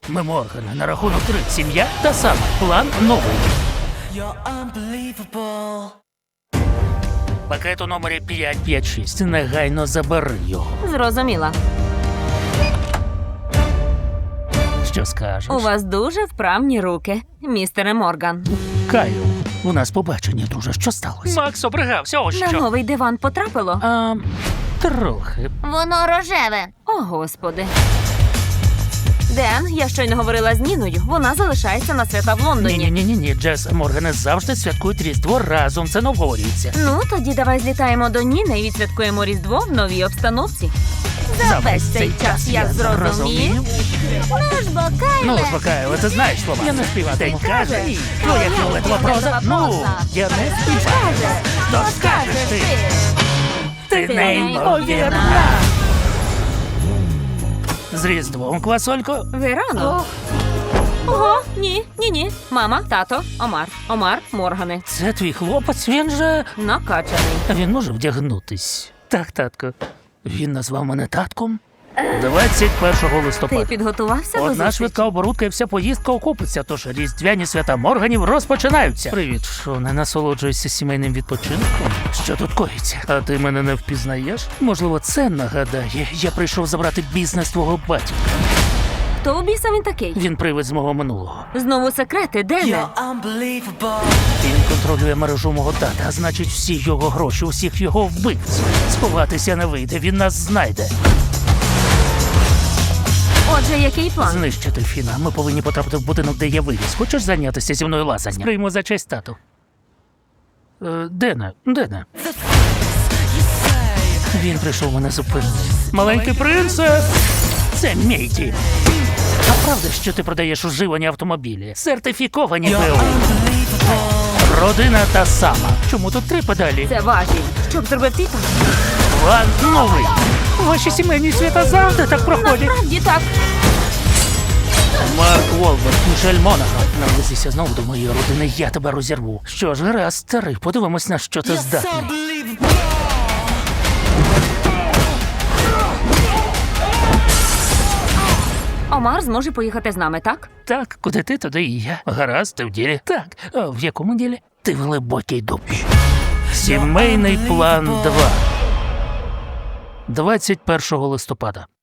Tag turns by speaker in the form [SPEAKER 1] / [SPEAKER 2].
[SPEAKER 1] Ми Моргани на рахунок 3. Сім'я та сама. План новий. Пакет у номері 556. Негайно забери його.
[SPEAKER 2] Зрозуміла.
[SPEAKER 1] Що скажеш?
[SPEAKER 2] У вас дуже вправні руки, містере Морган.
[SPEAKER 1] Каю, у нас побачення, друже. Що сталося? Макс обригався, ось
[SPEAKER 2] На новий диван потрапило?
[SPEAKER 1] Трохи.
[SPEAKER 3] Воно рожеве.
[SPEAKER 2] О, Господи. Ден, я щойно говорила з Ніною. Вона залишається на свята в Лондоні.
[SPEAKER 1] Ні, Джес, Моргани завжди святкують Різдво разом, це не обговорюється.
[SPEAKER 2] Ну, тоді давай злітаємо до Ніни і відсвяткуємо Різдво в новій обстановці. За весь цей час я зрозумів.
[SPEAKER 3] Ну ж бо, Кайле.
[SPEAKER 1] Успокаювати, ти знаєш слова. Я не співати.
[SPEAKER 2] Ти кажеш.
[SPEAKER 1] Твоя фіолетова проза. Я не співаю. То скажеш ти. Ти неймовірна. З Різдвом, квасолько.
[SPEAKER 2] Ви рано. Ого, ні. Мама, тато, Омар, Моргани.
[SPEAKER 1] Це твій хлопець, він же...
[SPEAKER 2] Накачаний.
[SPEAKER 1] Він може вдягнутись. Так, татко. Він назвав мене татком. 21 листопада.
[SPEAKER 2] Ти підготувався до
[SPEAKER 1] Одна
[SPEAKER 2] зустрічі?
[SPEAKER 1] швидка оборудка і вся поїздка окупиться, тож різдвяні свята Морганів розпочинаються. Привіт, що не насолоджуєшся сімейним відпочинком? Що тут коїться? А ти мене не впізнаєш? Можливо, це нагадає. Я прийшов забрати бізнес твого батька.
[SPEAKER 2] Хто у біса він такий?
[SPEAKER 1] Він привид з мого минулого.
[SPEAKER 2] Знову секрети, Дене?
[SPEAKER 1] Він контролює мережу мого тата, а значить всі його гроші, усіх його вбивць. Сховатися не вийде, він нас знайде.
[SPEAKER 2] Отже, який план?
[SPEAKER 1] Знищити Фіна. Ми повинні потрапити в будинок, де є вивіз. Хочеш зайнятися зі мною лазанням? Прийму за честь тату. Дене. Він прийшов мене зупинити. Маленький принце! Це мій дім. А правда, що ти продаєш уживані автомобілі? Сертифіковані БУ. Родина та сама. Чому тут 3 педалі?
[SPEAKER 2] Це важіль. Що б зробив ти там?
[SPEAKER 1] План новий. Ваші сімейні свята завжди так проходять.
[SPEAKER 2] Насправді так.
[SPEAKER 1] Марк Уолберг, Мішель Монако. Наблизися знову до моєї родини, я тебе розірву. Що ж, гаразд, старий, подивимось, на що ти здатний.
[SPEAKER 2] Омар зможе поїхати з нами, так?
[SPEAKER 1] Так, куди ти, туди і я. Гаразд, ти в ділі. Так, а в якому ділі? Ти в глибокій дупі. Сімейний план 2. 21 листопада.